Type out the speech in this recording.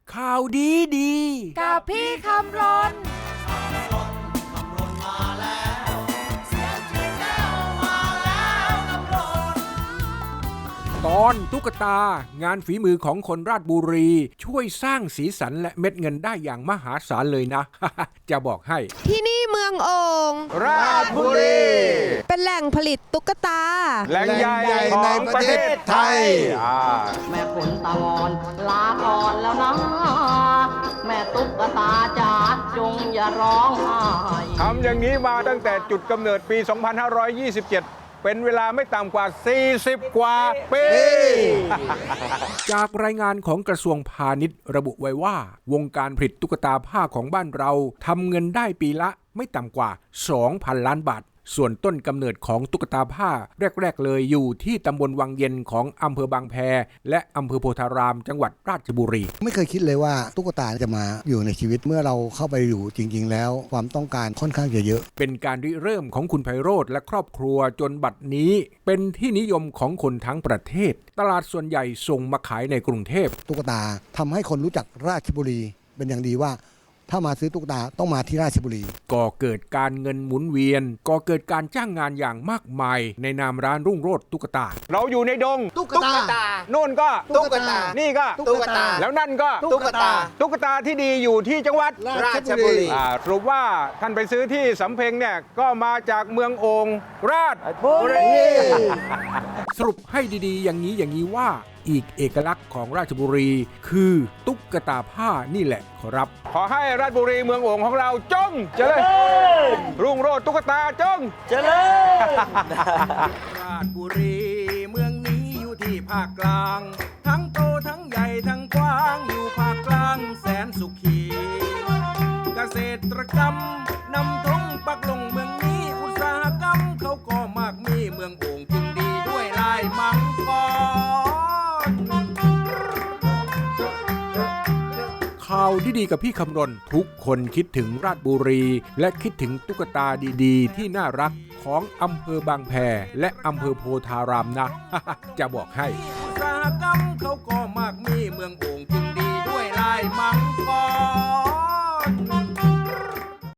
ข่าวดีดีกับพี่คำรนตอนตุ๊กตางานฝีมือของคนราชบุรีช่วยสร้างสีสันและเม็ดเงินได้อย่างมหาศาลเลยนะ จะบอกให้ที่นี่เมืองโอ่งราชบุรีเป็นแหล่งผลิตตุ๊กตาแหล่งใหญ่ในประเทศไทยแม่ขนตะวอนลาก่อนแล้วนะแม่ตุ๊กตาจ๋าจงอย่าร้องไห้ทำอย่างนี้มาตั้งแต่จุดกำเนิดปี 2527 เป็นเวลาไม่ต่ำกว่า 40 กว่าปีจากรายงานของกระทรวงพาณิชย์ระบุไว้ว่าวงการผลิตตุ๊กตาผ้าของบ้านเราทำเงินได้ปีละไม่ต่ำกว่า 2,000 ล้านบาทส่วนต้นกำเนิดของตุ๊กตาผ้าแรกๆเลยอยู่ที่ตำบลวังเย็นของอำเภอบางแพและอำเภอโพธารามจังหวัดราชบุรีไม่เคยคิดเลยว่าตุ๊กตาจะมาอยู่ในชีวิตเมื่อเราเข้าไปอยู่จริงๆแล้วความต้องการค่อนข้างจะเยอะเป็นการริเริ่มของคุณไพโรจน์และครอบครัวจนบัดนี้เป็นที่นิยมของคนทั้งประเทศตลาดส่วนใหญ่ส่งมาขายในกรุงเทพตุ๊กตาทำให้คนรู้จักราชบุรีเป็นอย่างดีว่าถ้ามาซื้อตุ๊กตาต้องมาที่ราชบุรีก่อเกิดการเงินหมุนเวียนก่อเกิดการจ้างงานอย่างมากมายในนามร้านรุ่งโรจน์ตุ๊กตาเราอยู่ในดงตุ๊กตาโน่นก็ตุ๊กตานี่ก็ตุ๊กตาแล้วนั่นก็ตุ๊กตาตุ๊กตาที่ดีอยู่ที่จังหวัดราชบุรีสรุปว่าท่านไปซื้อที่สำเพ็งเนี่ยก็มาจากเมืองโอ่งราชบุรีสรุปให้ดีๆอย่างนี้ว่าอีกเอกลักษณ์ของราชบุรีคือตุ๊กตาผ้านี่แหละครับขอให้ราชบุรีเมืองโอ่งของเราจงเจริญรุ่งโรจน์ตุ๊กตาจงเจริญราชบุรีเมืองนี้อยู่ที่ภาคกลางทั้งโตทั้งใหญ่ทั้งกว้างอยู่ภาคกลางแสนสุขีเกษตรกรรมนำธงปักลงเมืองนี้อุตสาหกรรมเขาก็มากมีเมืองโอ่งจึงดีด้วยลายมังกรข่าวดีๆกับพี่คำรณทุกคนคิดถึงราชบุรีและคิดถึงตุ๊กตาดีๆที่น่ารักของอำเภอบางแพและอำเภอโพธารามนะ จะบอกให้อุตสาหกรรมเขาก็มากมีเมืองโอ่ง